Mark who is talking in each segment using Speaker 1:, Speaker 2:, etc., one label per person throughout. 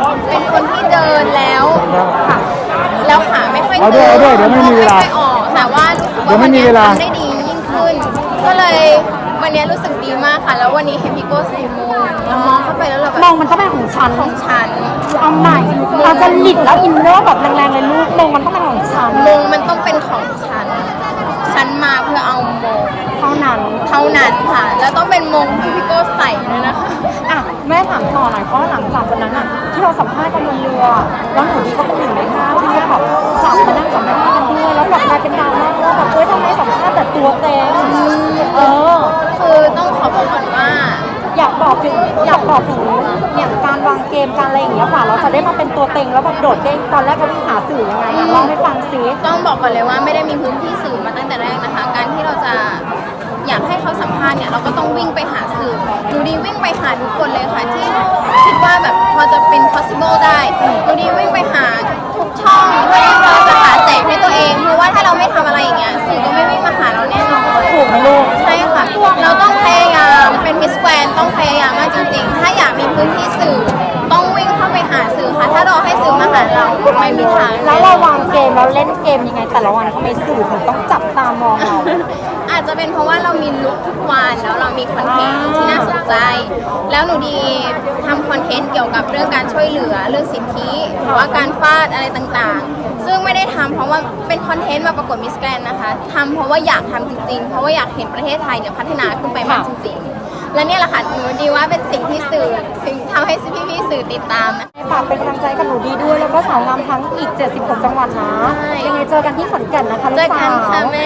Speaker 1: เป็นคนที่เดินแล้วค่ะแล้วขาไม่ค่อย
Speaker 2: เอาด้วยเดี๋ยวไม่มีเวลา
Speaker 1: ไม่ค่อยออกแต่ว่ารู้สึกว่าวันนี้ทำได้ดียิ่งขึ้น ก็เลยวันนี้รู้สึกดีมากค่ะแล้ววันนี้เห็นพี่โก้ใส่โมงแล้วมองเข้าไปแล้วเราแบบ
Speaker 3: มองมันต้องเป็นของฉัน
Speaker 1: ของฉัน
Speaker 3: เอาใหม่เราจะหลิดแล้วอินเนอร์แบบแรงๆเลยลูกมองมันต้องเป็นของฉัน
Speaker 1: มงมันต้องเป็นของฉัน ฉันมาเพื่อเอามง
Speaker 3: เท่านั้น
Speaker 1: เท่านั้นค่ะ แล้วต้องเป็นมงที่พี่โก้ใส่ด้วยนะคะ
Speaker 3: อ่ะแม่ถามต่อหน่อยเพราะหลังจากวันนั้นอ่ะที่เราสัมภาษณ์กันบนเรือแล้วหนูดีก็เป็นหนึ่งในห้าที่แม่แบบจับมานั่งสัมภาษณ์กันด้วยแล้วแบบกลายเป็นดราม่าว่าแบบทำไมสัมภาษณ์แต่ตัวเต็ง
Speaker 1: คือต้องขอบอกก่อนว่า
Speaker 3: อยากบอกถึงเนี่ยการวางเกมการอะไรอย่างเงี้ยค่ะเราจะได้มาเป็นตัวเต็งแล้วแบบโดดเด้งตอนแรกเราต้องหาสื่อยังไงอ่ะเล่าให้ฟังซิ
Speaker 1: ต้องบอกก่อนเลยว่าไม่ได้มีพื้นที่สื่อมาตั้งแต่แรกนะคะ การที่เราจะอยากให้เขาสัมภาษณ์เนี่ยเราก็ต้องวิ่งไปหาสื่อหนูดีวิ่งไปหาทุกคนเลยค่ะที่คิดว่าแบบพอจะเป็น possible ได้หนูดีวิ่งไปหาทุกช่องเพื่อที่เราจะหาแสงให้ตัวเองเพราะว่าถ้าเราไม่ทำอะไรอย่างเงี้ยสื่อก็ไม่วิ่งมาหาเราแน่นอน
Speaker 3: ถูกไหมลูก
Speaker 1: ใช่ค่ะเราต้องพยายามเป็นมิสแกรนต้องพยายามมากจริงๆถ้าอยากมีพื้นที่สื่อต้องวิ่งเข้าไปหาสื่อค่ะถ้าเราให้สื่อมาหาเราไม่มีทาง
Speaker 3: แล้วเราวางเกมเราเล่นเกมยังไงแต่ละวันทำไมสื่อถึงต้องจับตามองเรา
Speaker 1: อาจจะเป็นเพราะว่าเรามีลุคทุกวันแล้วเรามีคอนเทนต์ที่น่าสนใจ แล้วหนูดีทำคอนเทนต์เกี่ยวกับเรื่องการช่วยเหลือเรื่องสิทธิหรือว่าการฟาดอะไรต่างๆ ซึ่งไม่ได้ทำเพราะว่าเป็นคอนเทนต์มาประกวดมิสแกรนด์นะคะทำเพราะว่าอยากทำจริงๆ เพราะว่าอยากเห็นประเทศไทยเนี่ยพัฒนาขึ้นไปมากจริงๆ และเนี่ยแหละค่ะหนูดีว่าเป็นสิ่งที่สื่อถึงทำให้พี่ๆสื่อติดตามนะ
Speaker 3: ฝากเป็นกำลังใจกับหนูดีด้วยแล้วก็สาวงามทั้งอีก76จังหวัดนะ
Speaker 1: ใช่
Speaker 3: ยังไงเจอกันที่ขอนแก่นนะคะลู
Speaker 1: เจอก
Speaker 3: สา
Speaker 1: กัน
Speaker 3: ว
Speaker 1: ค่ะแม่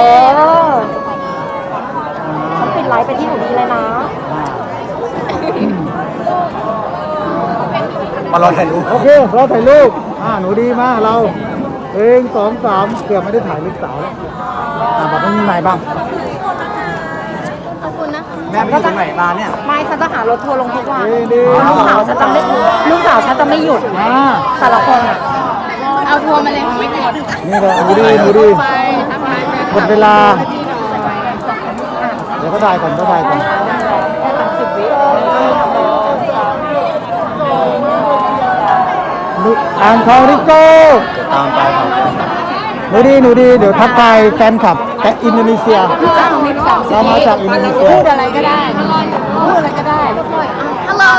Speaker 3: ฉันปิดไลฟ์ไปที่หนูดีเลยนะ
Speaker 2: มารอถ่ายรูปโอเคเราถ่ายรูปหนูดีมากเรา1 2 3เกือบไม่ได้ถ่ายลูกสาวแล้วบอกว่ามีไหนบ้าง
Speaker 1: ขอบคุณนะคะ
Speaker 2: แม่ไปอยู่ตรงไหนมาเนี่ย
Speaker 3: ไม่ฉันจะหารถทัวร์ลงทุกวัน
Speaker 2: ดี
Speaker 3: ลูกสาวฉันจะไม่หยุดแต่ละคนอ่ะ
Speaker 1: เอาทัวร์มาเลยไม่กด
Speaker 2: นี่เลยหนูดีหมดเวลาเดี๋ยวก็ได้ก่อนอ่างทองริโก้ตามไปครับหนูดีเดี๋ยวทักทายแฟนคลับแต่อินโดนีเซียเรามาจากอินโดนีเซีย
Speaker 3: พูดอะไรก็ได้
Speaker 1: Hello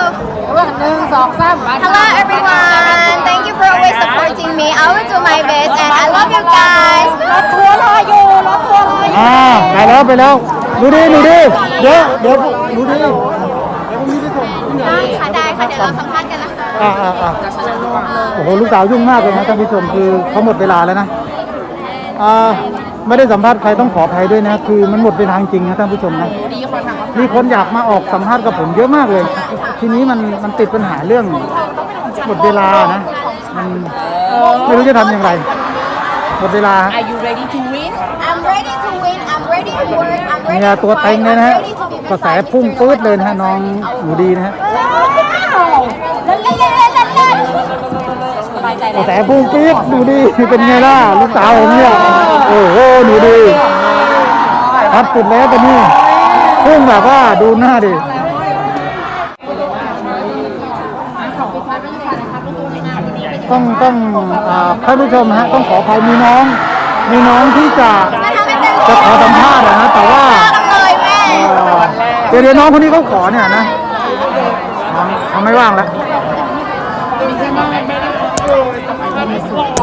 Speaker 1: Hello everyone thank you for always supporting me I will do my best and I love you guys
Speaker 3: รถทัวร์รออยู่
Speaker 2: ไปแล้วหนูดีเดี๋ยวหนูดี
Speaker 1: ได้ค่ะเดี๋ยวเราสัมภาษณ์กันนะคะ
Speaker 2: โอ้โหลูกสาวยุ่งมากเลยนะท่านผู้ชมคือเขาหมดเวลาแล้วนะไม่ได้สัมภาษณ์ใครต้องขออภัยด้วยนะคือมันหมดเวลาจริงนะท่านผู้ชมนะมีคนอยากมาออกสัมภาษณ์กับผมเยอะมากเลย ทีนี้มันติดปัญหาเรื่องหมดเวลานะมันไม่รู้จะทำอย่างไรหมดเวลา
Speaker 3: Are you ready to win
Speaker 1: I'm ready to win I'm ready to work I'm ready
Speaker 2: เนี่ย
Speaker 1: to
Speaker 2: ตัวเต็ง
Speaker 1: fight
Speaker 2: เลย
Speaker 1: I'm
Speaker 2: นะฮะ
Speaker 1: ready to be
Speaker 2: กระแส
Speaker 1: beside
Speaker 2: พุ่ง
Speaker 1: Mr.
Speaker 2: ปื๊ดเลยนะฮะน้องหนูดีนะฮะกระแสพุ่งปี๊ดหนูดีเป็นไงล่ะลูกสาวผมเนี่ยโอ้โหหนูดีทัดสุดแล้วตอนนี้พุ่งแบบว่าดูหน้าดิต้องท่านผู้ชมฮะต้องขออภัยมีน้องที่จะขอสัมภาษณ์นะแต่ว่า
Speaker 1: เลยแม่
Speaker 2: เดี๋ยวน้องคนนี้เขาขอเนี่ยนะเขาไม่ว่างแล้ว